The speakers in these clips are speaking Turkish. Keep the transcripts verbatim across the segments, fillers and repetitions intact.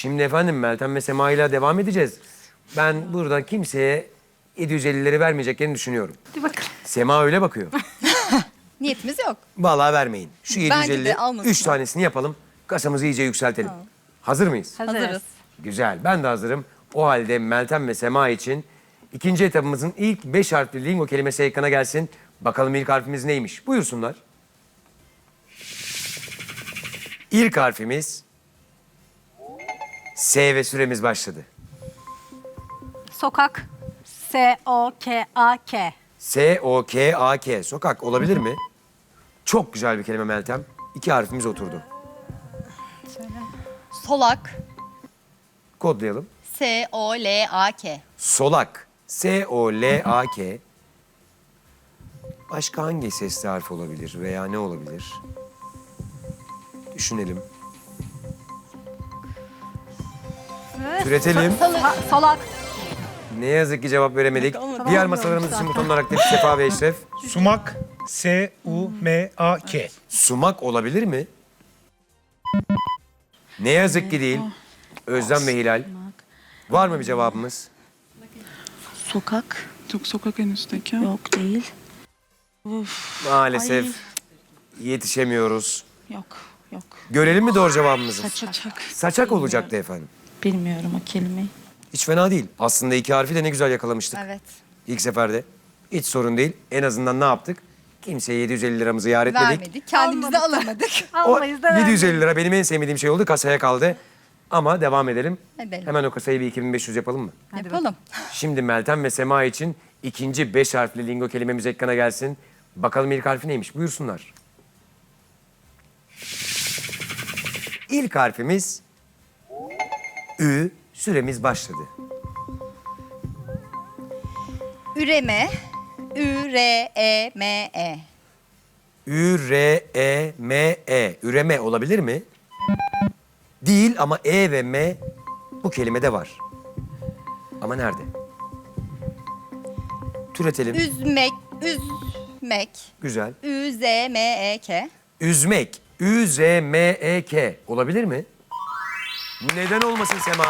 Şimdi efendim Meltem ve Sema ile devam edeceğiz. Ben burada kimseye yedi yüz ellileri vermeyeceklerini düşünüyorum. Hadi bakalım. Sema öyle bakıyor. Niyetimiz yok. Vallahi vermeyin. Şu Bence de yedi yüz elli, almasın. üç tanesini yapalım. Kasamızı iyice yükseltelim. Hazır mıyız? Hazırız. Hazırız. Güzel, ben de hazırım. O halde Meltem ve Sema için ikinci etapımızın ilk beş harfli lingo kelimesi ekrana gelsin. Bakalım ilk harfimiz neymiş? Buyursunlar. İlk harfimiz S ve süremiz başladı. Sokak. S O K A K. S O K A K. Sokak olabilir mi? Çok güzel bir kelime Meltem. İki harfimiz oturdu. Solak. Kodlayalım. S O L A K. Solak. S O L A K. Başka hangi sesli harf olabilir veya ne olabilir? Düşünelim. Türetelim. So- solak. Ne yazık ki cevap veremedik. Diğer masalarımız için butonlar aktif. Sefa ve Eşref. Sumak. S U M A K. Sumak olabilir mi? Ne yazık ki değil. Özlem ve Hilal. Var mı bir cevabımız? Sokak. Yok, sokak en üstteki. Yok değil. Maalesef Ay. yetişemiyoruz. Yok. Yok. Görelim mi doğru cevabımızı? Saçak. Saçak olacaktı efendim. Bilmiyorum o kelimeyi. Hiç fena değil. Aslında iki harfi de ne güzel yakalamıştık. Evet. İlk seferde. Hiç sorun değil. En azından ne yaptık? Kimseye yedi yüz elli liramızı yar etmedik. Vermedik. Kendimiz de alamadık. O Almayız da yedi yüz elli vermeyiz. lira benim en sevmediğim şey oldu. Kasaya kaldı. Ama devam edelim. Edelim. Hemen o kasayı bir iki bin beş yüz yapalım mı? Yapalım. Şimdi Meltem ve Sema için ikinci beş harfli lingo kelimemiz ekrana gelsin. Bakalım ilk harfi neymiş? Buyursunlar. İlk harfimiz Ü. Süremiz başladı. Üreme. Ü R E M E. Ü, R, E, M, E. Üreme olabilir mi? Değil ama E ve M bu kelimede var. Ama nerede? Türetelim. Üzmek. Üzmek. Güzel. Ü Z M E K. Üzmek. Ü, Z, M, E, K. Olabilir mi? Neden olmasın Sema?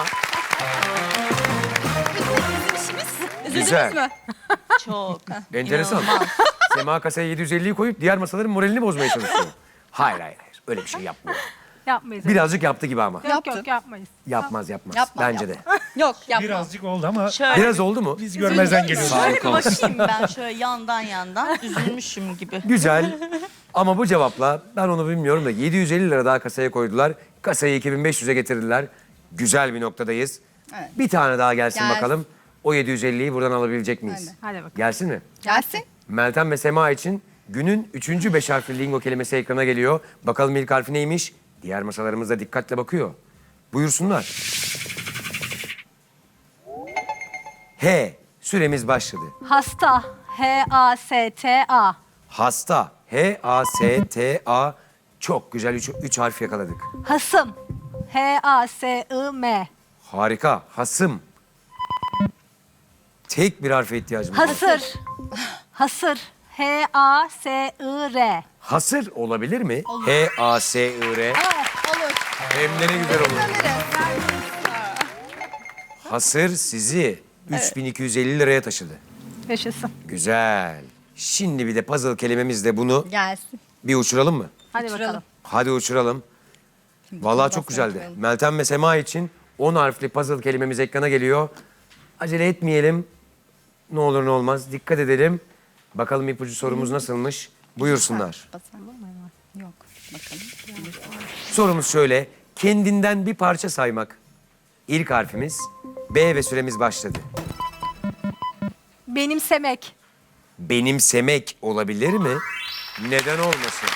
Güzel. mü? Çok. Enteresan. Sema kasaya yedi yüz elliyi koyup diğer masaların moralini bozmaya çalışıyor. Hayır hayır hayır. Öyle bir şey yapmıyor. Yapmayız. Birazcık yaptı gibi ama. Yok Yaptın. yok yapmayız. Yapmaz yapmaz. Yapma, Bence yapma. de. Yok yapma. Birazcık oldu ama Şöyle, Biraz oldu mu? biz görmezden geliyoruz. şöyle bir bakayım ben şöyle yandan yandan üzülmüşüm gibi. Güzel. Ama bu cevapla ben onu bilmiyorum da yedi yüz elli lira daha kasaya koydular. Kasayı iki bin beş yüze getirdiler. Güzel bir noktadayız. Evet. Bir tane daha gelsin Gelsin. bakalım. O yedi yüz elliyi buradan alabilecek miyiz? Hadi. Hadi bakalım. Gelsin mi? Gelsin. Meltem ve Sema için günün üçüncü beş harfli lingo kelimesi ekrana geliyor. Bakalım ilk harfi neymiş? Diğer masalarımız da dikkatle bakıyor. Buyursunlar. H. Süremiz başladı. Hasta. H A S T A. Hasta. H A S T A. Çok güzel üç, üç harf yakaladık. Hasım. H A S I M. Harika. Hasım. Tek bir harfe ihtiyacımız var. Hasır. Hasır. H A S I R. Hasır olabilir mi? H A S I R. Olur. Hem de ne güzel olur. Hasır sizi üç bin iki yüz elli liraya taşıdı. Yaşasın. Güzel. Şimdi bir de puzzle kelimemizle bunu Gelsin. bir uçuralım mı? Hadi Uçuralım. bakalım. Hadi uçuralım. Vallahi çok basmayı güzeldi. unutmayalım. Meltem ve Sema için on harfli puzzle kelimemiz ekrana geliyor. Acele etmeyelim. Ne olur ne olmaz. Dikkat edelim. Bakalım ipucu sorumuz nasılmış? Buyursunlar. Basalım mı? Yok. Bakalım. Sorumuz şöyle. Kendinden bir parça saymak. İlk harfimiz B ve süremiz başladı. Benimsemek. Benimsemek olabilir mi? Neden olmasın?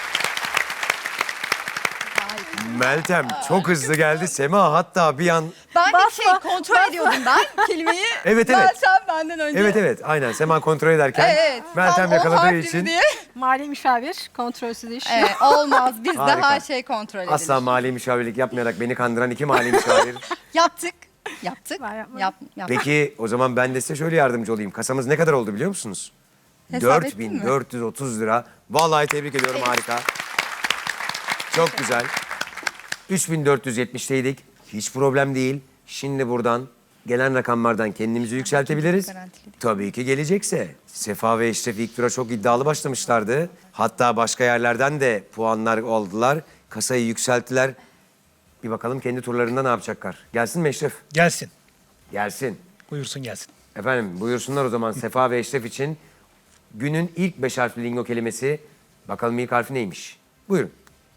Meltem çok hızlı geldi. Sema hatta bir an... Ben bir Basma, şey kontrol ediyordum ben kelimeyi. Evet, evet. Meltem benden önce. Evet evet aynen Sema kontrol ederken Evet. Meltem tam o yakaladığı harfli için Diye. Mali müşavir. Kontrolsüz iş. Evet, olmaz. Bizde Harika. her şey kontrol edilir. asla mali müşavirlik yapmayarak beni kandıran iki mali müşavir. Yaptık. Yaptık. Ben yapmadım. Yap, yaptık. Peki o zaman ben de size şöyle yardımcı olayım. Kasamız ne kadar oldu biliyor musunuz? Hesap dört ettin bin mi? dört yüz otuz lira. Vallahi tebrik ediyorum harika. Çok güzel. üç bin dört yüz yetmişteydik. Hiç problem değil. Şimdi buradan gelen rakamlardan kendimizi yükseltebiliriz. Garantiledik. Tabii ki gelecekse. Sefa ve Eşref ilk tura çok iddialı başlamışlardı. Hatta başka yerlerden de puanlar aldılar. Kasayı yükselttiler. Bir bakalım kendi turlarında ne yapacaklar. Gelsin mi Eşref? Gelsin. Gelsin. Buyursun gelsin. Efendim buyursunlar o zaman Sefa ve Eşref için. Günün ilk beş harfli lingo kelimesi. Bakalım ilk harfi neymiş? Buyurun.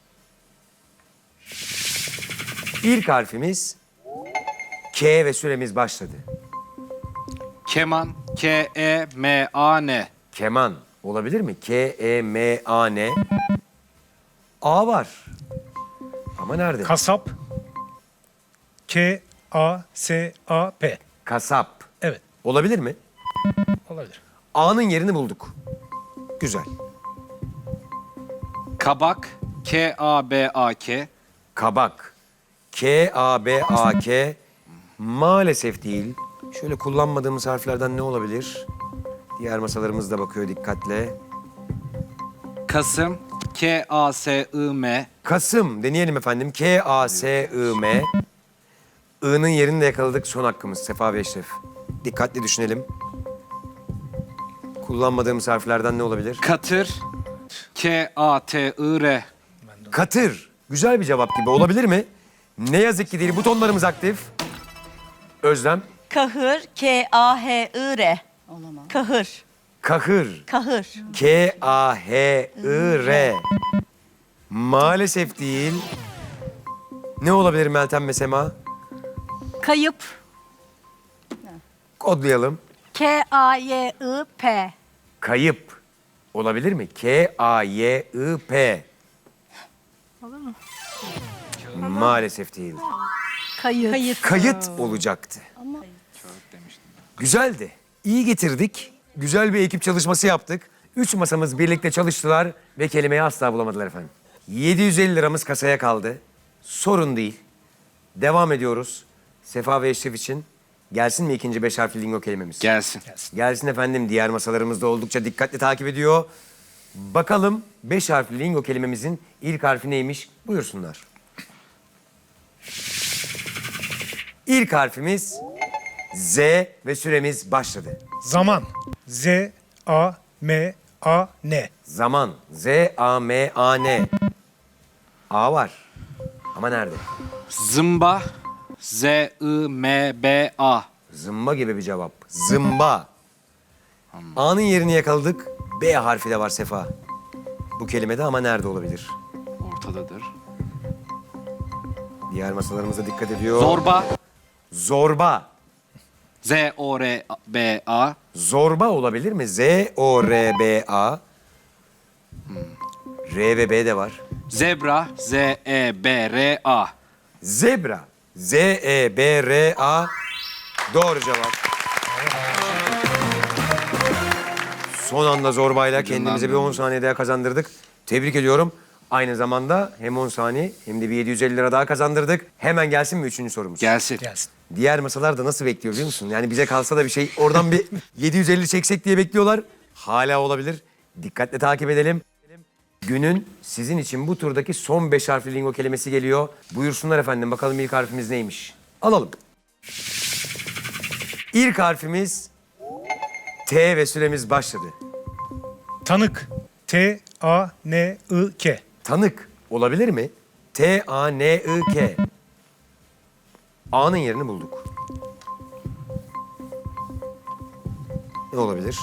İlk harfimiz K ve süremiz başladı. Keman, K E M A N. Keman olabilir mi? K E M A N. A var. Ama nerede? Kasap. K A S A P. Kasap. Evet. Olabilir mi? Olabilir. A'nın yerini bulduk. Güzel. Kabak, K A B A K. Kabak. K A B A K. Maalesef değil. Şöyle kullanmadığımız harflerden ne olabilir? Diğer masalarımız da bakıyor dikkatle. Kasım, K A S I M. Kasım deneyelim efendim. K A S I M. I'nın yerini de yakaladık. Son hakkımız Sefa ve Eşref. Dikkatli düşünelim. Kullanmadığımız harflerden ne olabilir? Katır, K A T I R. Katır. Güzel bir cevap gibi olabilir mi? Ne yazık ki değil. Butonlarımız aktif. Özlem. Kahır, K A H I R. Olamaz. Kahır, Kahır. kahır. K A H I R. Maalesef değil. Ne olabilir Meltem ve Sema? Kayıp. Kodlayalım. K A Y I P. Kayıp. Olabilir mi? K A Y I P. Olur mu? Maalesef değil. Kayıt. Kayıt. Kayıt olacaktı. Güzeldi. İyi getirdik. Güzel bir ekip çalışması yaptık. Üç masamız birlikte çalıştılar ve kelimeyi asla bulamadılar efendim. yedi yüz elli liramız kasaya kaldı. Sorun değil. Devam ediyoruz. Sefa ve Eşref için gelsin mi ikinci beş harfli lingo kelimemiz? Gelsin. Gelsin efendim. Diğer masalarımız da oldukça dikkatli takip ediyor. Bakalım beş harfli lingo kelimemizin ilk harfi neymiş? Buyursunlar. İlk harfimiz Z ve süremiz başladı. Zaman. Z A M A N. Zaman. Z A M A N. A var. Ama nerede? Zımba, Z I M B A. Zımba gibi bir cevap. Zımba. A'nın yerini yakaladık. B harfi de var Sefa. Bu kelimede ama nerede olabilir? Ortadadır. Diğer masalarımıza dikkat ediyor. Zorba, Zorba. Z O R B A. Zorba olabilir mi? Z O R B A. R ve B de var. Zebra, Z E B R A. Zebra. Z E B R A. Doğru cevap. Son anda zorbayla kendimize bir on saniye daha kazandırdık. Tebrik ediyorum. Aynı zamanda hem on saniye hem de bir yedi yüz elli lira daha kazandırdık. Hemen gelsin mi üçüncü sorumuz? Gelsin. Gelsin. Diğer masalar da nasıl bekliyor biliyor musun? Yani bize kalsa da bir şey oradan bir yedi yüz elli çeksek diye bekliyorlar. Hala olabilir. Dikkatle takip edelim. Günün sizin için bu turdaki son beş harfli lingo kelimesi geliyor. Buyursunlar efendim bakalım ilk harfimiz neymiş? Alalım. İlk harfimiz T ve süremiz başladı. Tanık. T A N I K. Tanık olabilir mi? T A N I K. A'nın yerini bulduk. Ne olabilir?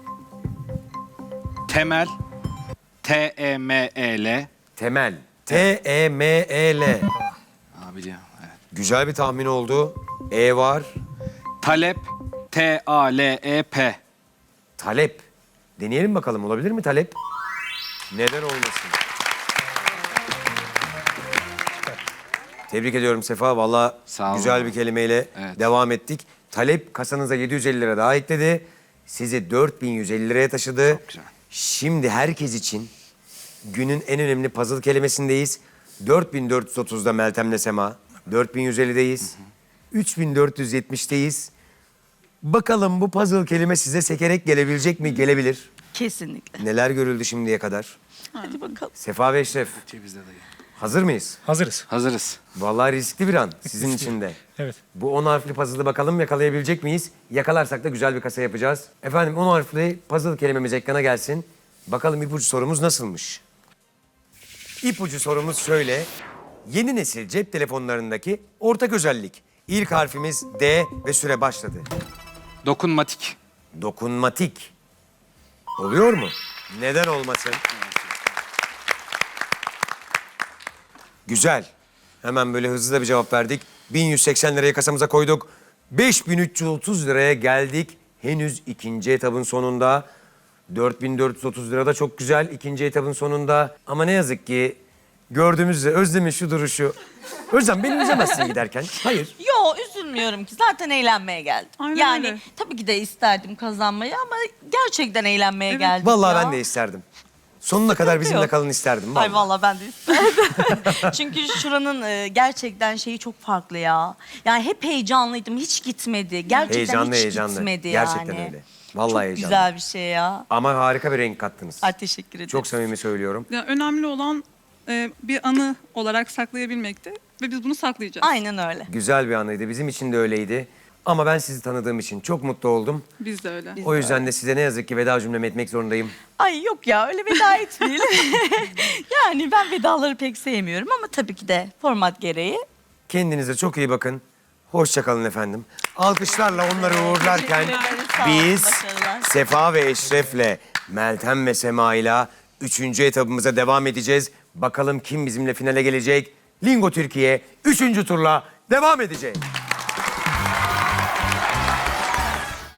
Temel, T E M E L. Temel. T E M E L. Aa, biliyorum. Evet. Güzel bir tahmin oldu. E var. Talep, T A L E P. Talep. Deneyelim bakalım olabilir mi talep? Neden olmasın? Tebrik ediyorum Sefa. Vallahi Sağ olun. güzel bir kelimeyle Evet. devam ettik. Talep kasanıza yedi yüz elli lira daha ekledi. Sizi dört bin yüz elli liraya taşıdı. Çok güzel. Şimdi herkes için günün en önemli puzzle kelimesindeyiz. dört bin dört yüz otuzda Meltem'le Sema. dört bin yüz ellideyiz. üç bin dört yüz yetmişteyiz. Bakalım bu puzzle kelime size sekerek gelebilecek mi? Gelebilir. Kesinlikle. Neler görüldü şimdiye kadar? Hadi bakalım. Sefa ve Eşref. Cevizde dayı. Hazır mıyız? Hazırız. Hazırız. Vallahi riskli bir an sizin için de. Evet. Bu on harfli puzzle'ı bakalım yakalayabilecek miyiz? Yakalarsak da güzel bir kasa yapacağız. Efendim on harfli puzzle kelimemiz ekrana gelsin. Bakalım ipucu sorumuz nasılmış? İpucu sorumuz şöyle. Yeni nesil cep telefonlarındaki ortak özellik. İlk harfimiz D ve süre başladı. Dokunmatik. Dokunmatik. Oluyor mu? Neden olmasın? Güzel. Hemen böyle hızlı da bir cevap verdik. bin yüz seksen lirayı kasamıza koyduk. beş bin üç yüz otuz liraya geldik. Henüz ikinci etabın sonunda. dört bin dört yüz otuz lira da çok güzel ikinci etabın sonunda. Ama ne yazık ki gördüğümüz üzere Özlem'in şu duruşu. Özlem beni üzemezsin giderken. Hayır. Yo üzülmüyorum ki zaten eğlenmeye geldim. Aynen yani öyle. tabii ki de isterdim kazanmayı ama gerçekten eğlenmeye geldim. Vallahi ya. ben de isterdim. Sonuna kadar bizimle yok. kalın isterdim. Vallahi. Ay vallahi ben de isterdim. Çünkü şuranın e, gerçekten şeyi çok farklı ya. Yani hep heyecanlıydım, hiç gitmedi. Gerçekten Heyecanlı hiç heyecanlı. gitmedi Gerçekten yani. öyle. Vallahi çok heyecanlı. güzel bir şey ya. Ama harika bir renk kattınız. Ay teşekkür ederim. Çok samimi söylüyorum. Ya önemli olan e, bir anı olarak saklayabilmekti ve biz bunu saklayacağız. Aynen öyle. Güzel bir anıydı. Bizim için de öyleydi. Ama ben sizi tanıdığım için çok mutlu oldum. Biz de öyle. O yüzden de size ne yazık ki veda cümlemi etmek zorundayım. Ay yok ya öyle veda etmeyelim. Yani ben vedaları pek sevmiyorum ama tabii ki de format gereği. Kendinize çok iyi bakın. Hoşça kalın efendim. Alkışlarla onları uğurlarken Teşekkür ederim, sağ olun, biz başarılar. Sefa ve Eşref'le Meltem ve Sema'yla üçüncü etabımıza devam edeceğiz. Bakalım kim bizimle finale gelecek? Lingo Türkiye üçüncü turla devam edecek.